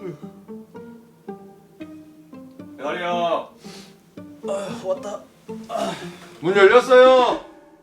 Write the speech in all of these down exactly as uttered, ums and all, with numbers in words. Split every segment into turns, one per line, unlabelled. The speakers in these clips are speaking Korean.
대가리야.
아, 왔다. 아.
문 열렸어요.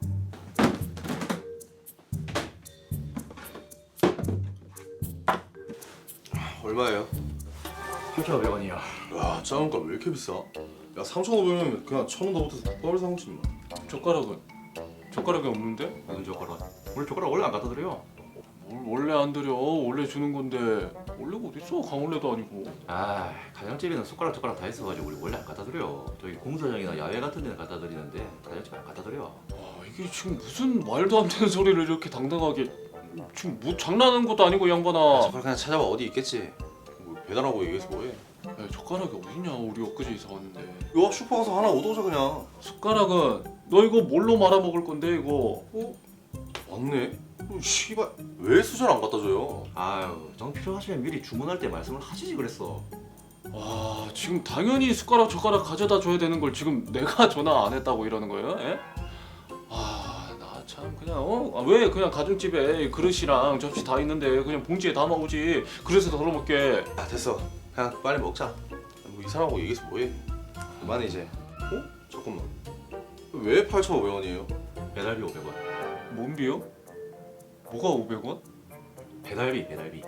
얼마예요?
팔천오백 원이요.
야, 작은 거 왜 이렇게 비싸? 야, 삼천오백 원이면 그냥 천 원 더 못해서 국밥을 사 먹지 뭐.
젓가락은? 젓가락이 없는데?
무슨 젓가락? 원래 젓가락 원래 안 갖다 드려요.
뭘 원래 안 드려. 원래 주는 건데. 원래가 어딨어? 강원래도 아니고.
아, 가정집에는 숟가락 젓가락 다 있어가지고 우리 원래 안 갖다 드려요. 저기 공사장이나 야외 같은 데는 갖다 드리는데 가정집에 안 갖다 드려.
아, 이게 지금 무슨 말도 안 되는 소리를 이렇게 당당하게. 지금 뭐 장난하는 것도 아니고 이 양반아.
젓가락 그냥 찾아봐. 어디 있겠지. 뭐 배달하고 얘기해서 뭐해?
야, 젓가락이 어딨냐? 우리 엊그제 이사 왔는데.
야, 슈퍼 가서 하나 얻어오자 그냥.
숟가락은 너 이거 뭘로 말아 먹을 건데 이거?
어? 맞네. 어, 씨발 왜 수저 안 갖다 줘요?
아유, 정 필요하시면 미리 주문할 때 말씀을 하시지 그랬어.
와, 지금 당연히 숟가락 젓가락 가져다 줘야 되는 걸 지금 내가 전화 안 했다고 이러는 거예요? 예? 아, 나 참 그냥 어? 아, 왜 그냥 가정집에 그릇이랑 접시 다 있는데 그냥 봉지에 담아오지. 그래서 덜어 먹게.
아, 됐어. 그냥 빨리 먹자. 뭐 이 사람하고 얘기해서 뭐해? 그만해 이제. 어? 잠깐만. 왜 팔천오백 원이에요?
배달비 오백 원.
뭔비요? 뭐가 오백 원?
배달비, 배달비.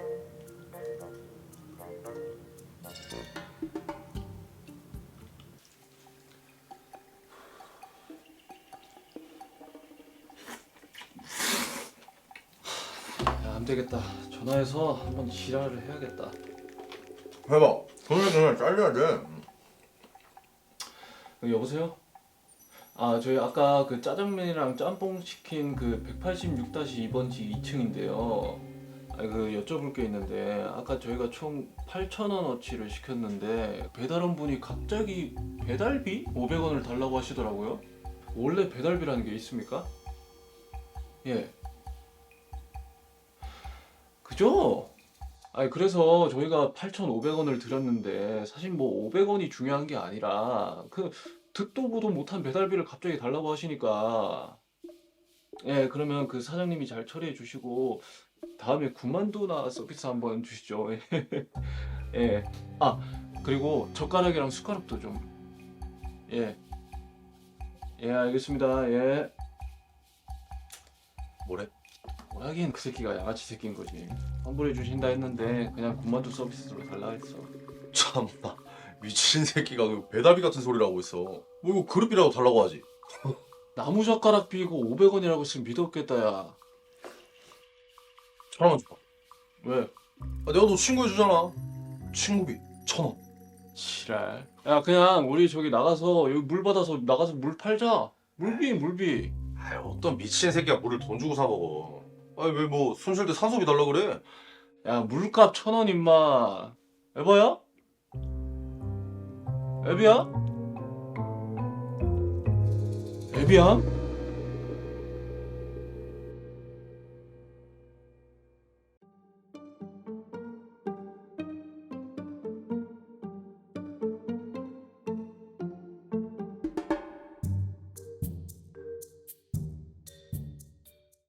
야, 안 되겠다. 전화해서 한번 지랄을 해야겠다.
해봐. 돈을 그냥 잘려야 돼.
어, 여보세요? 아, 저희 아까 그 짜장면이랑 짬뽕 시킨 그 백팔십육 이 번지 이 층인데요. 아, 그 여쭤볼 게 있는데 아까 저희가 총 팔천 원어치를 시켰는데 배달원 분이 갑자기 배달비 오백 원을 달라고 하시더라고요. 원래 배달비라는 게 있습니까? 예. 그죠? 아니 그래서 저희가 팔천오백 원을 드렸는데 사실 뭐 오백 원이 중요한 게 아니라 그 듣도 보도 못한 배달비를 갑자기 달라고 하시니까 예 그러면 그 사장님이 잘 처리해 주시고 다음에 군만두나 서비스 한번 주시죠. 예. 아 그리고 젓가락이랑 숟가락도 좀 예. 예 알겠습니다. 예.
뭐래?
뭐라긴 그 새끼가 양아치 새끼인 거지. 환불해 주신다 했는데 그냥 군만두 서비스로 달라 했어.
참나 미친 새끼가 그 배달비 같은 소리를 하고 있어. 뭐 이거 그릇비라도 달라고 하지.
나무젓가락 비고 오백 원이라고 했으면 믿었겠다 야.
천 원만 줘봐.
왜?
아, 내가 너 친구 해주잖아. 친구비 천 원.
지랄. 야 그냥 우리 저기 나가서 여기 물 받아서 나가서 물 팔자. 물비 물비.
아이, 어떤 미친 새끼가 물을 돈 주고 사 먹어. 아니 왜 뭐 손 쉴 때 산소비 달라 그래?
야 물값 천 원 임마. 에바야? 에비야? 에비야?